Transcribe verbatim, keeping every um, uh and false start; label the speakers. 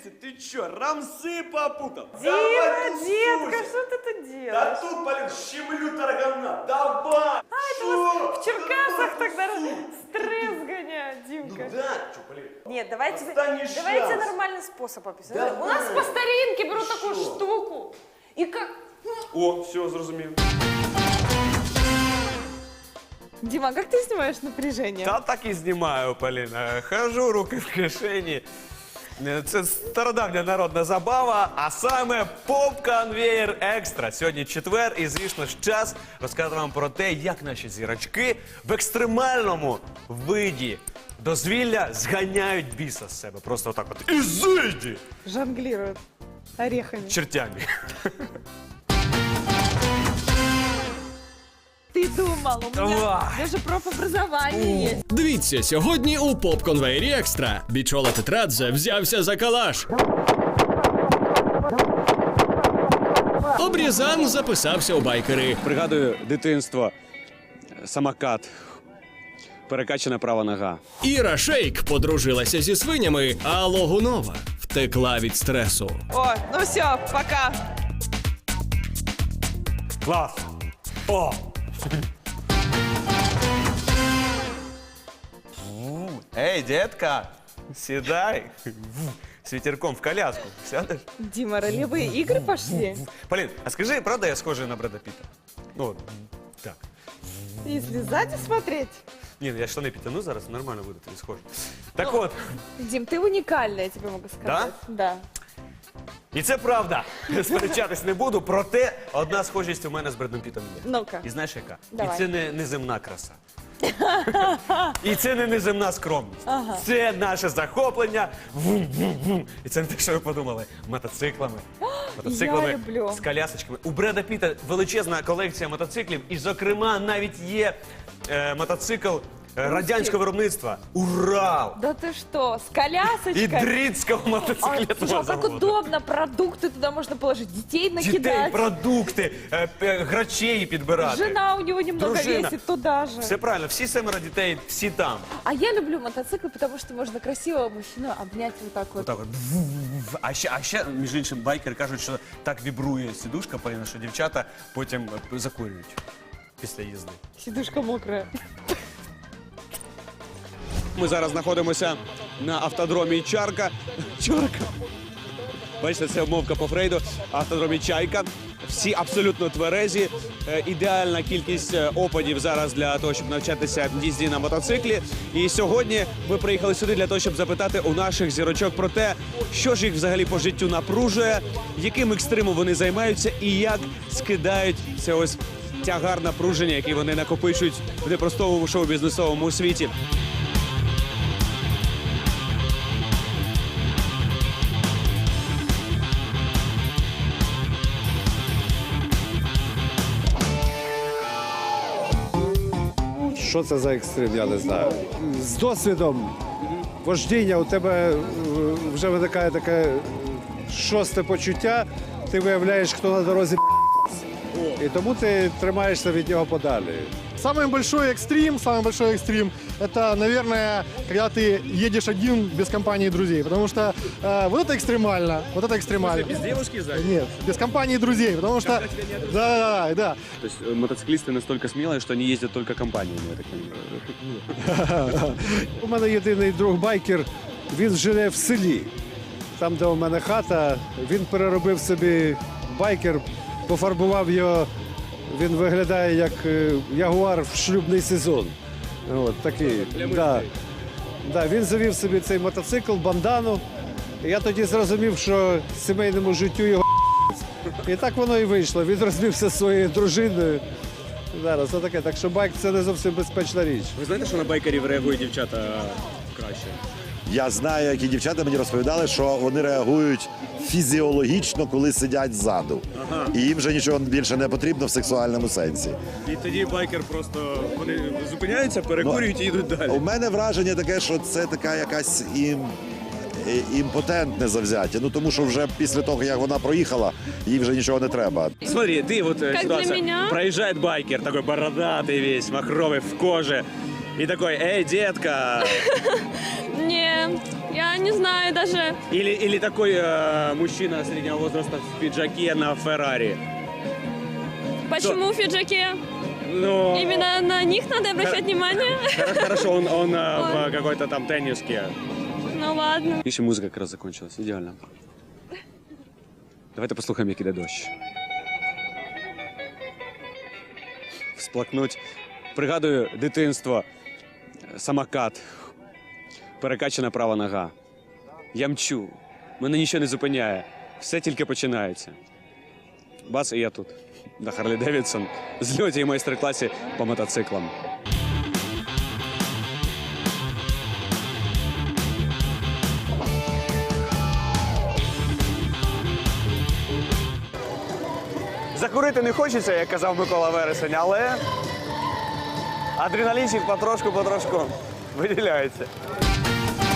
Speaker 1: Дивіться, ти чо, рамси попутав?
Speaker 2: Дима, детка, что ты тут делаешь?
Speaker 1: Да тут, блин, щемлю таргана, давай!
Speaker 2: А, это вас в Черкасах тогда стресс гоняют,
Speaker 1: Ну
Speaker 2: Димка.
Speaker 1: да, чё, блин.
Speaker 2: Нет, давайте,
Speaker 1: Отстань, не
Speaker 2: давайте
Speaker 1: шанс.
Speaker 2: нормальный способ описать.
Speaker 1: Давай.
Speaker 2: У нас по старинке берут
Speaker 1: Ты
Speaker 2: такую
Speaker 1: шо?
Speaker 2: штуку. И как...
Speaker 1: О, все, зрозумів.
Speaker 2: Дима, а как ты снимаешь напряжение?
Speaker 3: Та так і знімаю, Поліна. Хожу, руки в кишені. Це стародавня народна забава, а саме поп-конвеєр екстра. Сьогодні четвер і, звісно ж, час розказати вам про те, як наші зірочки в екстремальному виді дозвілля зганяють біса з себе. Просто отак от. Ізиді!
Speaker 2: Жонглируют орехами.
Speaker 3: Чертями.
Speaker 2: Ты думал, у меня
Speaker 3: Ой.
Speaker 2: даже профобразование есть.
Speaker 4: Дивіться, сьогодні у поп-конвеєрі екстра. Бічола Тетрадзе взявся за калаш. Обрізан записався у байкери.
Speaker 5: Пригадую дитинство, самокат, перекачана права нога.
Speaker 4: Іра Шейк подружилася зі свинями, а Логунова втекла від стресу.
Speaker 2: О, ну все, пока.
Speaker 3: Клас! О! Ей, детка, сідай. З вітерком в коляску. Сядеш?
Speaker 2: Дима, ролевые игры пошли?
Speaker 3: Полін, а скажи, правда я схожий на Бреда Піта? Ну, так.
Speaker 2: Если сзади смотреть.
Speaker 3: Ні, ну я штани підтягну зараз, нормально буде тобі схожий. Так от,
Speaker 2: Дим, ты уникальный, я тебе могу сказать. Да?
Speaker 3: і це правда. Сперечатись не буду, проте одна схожість у мене з Бредом Пітом є.
Speaker 2: Ну-ка.
Speaker 3: І знаєш яка?
Speaker 2: Давай.
Speaker 3: І це не неземна краса. І це не неземна скромність. Це наше захоплення. Вум-вум-вум. І це не те, що ви подумали. Мотоциклами. Мотоциклами
Speaker 2: Я люблю.
Speaker 3: з колясочками. У Бреда Піта величезна колекція мотоциклів. І, зокрема, навіть є е, мотоцикл е, радянського виробництва. Урал.
Speaker 2: Да ты что, с
Speaker 3: І
Speaker 2: колясочкой?
Speaker 3: дрицького
Speaker 2: А,
Speaker 3: мотоциклетного
Speaker 2: слушай, а как
Speaker 3: заводу.
Speaker 2: удобно, продукты туда можно положить, детей
Speaker 3: Дітей,
Speaker 2: накидать.
Speaker 3: продукти, е, е, грачей підбирати.
Speaker 2: Жена у него немного
Speaker 3: Дружина.
Speaker 2: весит туда же.
Speaker 3: Все правильно, всі семеро дітей, всі там.
Speaker 2: А я люблю мотоциклы, потому что можно красивого мужчину обнять вот так вот.
Speaker 3: Отак от. А ще, а ще, між іншим, байкери кажуть, що так вібрує сідушка, Поліна, що дівчата потім е, закурюють після їзди.
Speaker 2: Сидушка мокрая.
Speaker 5: Ми зараз знаходимося на автодромі Чарка. Чорка. Бачите, це обмовка по Фрейду. Автодромі Чайка. Всі абсолютно тверезі. Е, Ідеальна кількість е, опадів зараз для того, щоб навчатися їзді на мотоциклі. І сьогодні ми приїхали сюди для того, щоб запитати у наших зірочок про те, що ж їх взагалі по життю напружує, яким екстримом вони займаються і як скидають це ось тягар напруження, який вони накопичують в непростому шоу-бізнесовому світі.
Speaker 6: Що це за екстрим, я не знаю. З досвідом вождіння у тебе е, вже виникає таке е, шосте почуття, ти виявляєш, хто на дорозі і тому ти тримаєшся від нього подалі.
Speaker 7: Самый большой экстрим, самый большой экстрим, это, наверное, когда ты едешь один без компании друзей, потому что э, вот это экстремально, вот это экстремально.
Speaker 5: Без девушки сзади?
Speaker 7: Нет, без компании друзей, потому что, да, да, да, да.
Speaker 5: То есть э, мотоциклисты настолько смелые, что они ездят только компаниями, я так понимаю.
Speaker 6: У мене єдиний друг байкер, він живе в селі. Там, де у мене хата, він переробив собі байкер, пофарбував його. Він виглядає як е, ягуар в шлюбний сезон. От, такий. Да. Да, він завів собі цей мотоцикл, бандану. І я тоді зрозумів, що сімейному життю його і так воно і вийшло. Він розвівся зі своєю дружиною. Зараз отаке. Так що байк це не зовсім безпечна річ.
Speaker 5: Ви знаєте, що на байкерів реагують дівчата краще?
Speaker 8: Я знаю, які дівчата мені розповідали, що вони реагують фізіологічно, коли сидять ззаду. І їм вже нічого більше не потрібно в сексуальному сенсі.
Speaker 5: І тоді байкер просто вони зупиняються, перекурюють і йдуть далі.
Speaker 8: У мене враження таке, що це така якась ім... і- імпотентне завзяття. Ну тому що вже після того, як вона проїхала, їй вже нічого не треба.
Speaker 5: Смотри, ты вот э,
Speaker 2: Как
Speaker 5: ситуация.
Speaker 2: для меня?
Speaker 5: Проезжает байкер, такой бородатый весь, махровый, в коже. И такой, эй, детка,
Speaker 2: Не,
Speaker 9: Я не знаю даже.
Speaker 5: Или, или такой э, мужчина среднего возраста в пиджаке на Феррари.
Speaker 9: Почему в пиджаке?
Speaker 5: Ну,
Speaker 9: Именно на них надо обращать внимание?
Speaker 5: хорошо, он, он э,
Speaker 9: Ой.
Speaker 5: в какой-то там тенниске.
Speaker 9: Ну ладно.
Speaker 5: І ще музика якраз закончилась. Ідеально. Давайте послухаємо, як іде дощ. Всплакнуть. Пригадую дитинство. Самокат. Перекачана права нога. Я мчу. Мене нічого не зупиняє. Все тільки починається. Бас, і я тут. На Харлі Девідсон. Зльоті і майстер-класі по мотоциклам. Закурити не хочеться, як казав Микола Вересень, але адреналінчик потрошку-потрошку виділяється.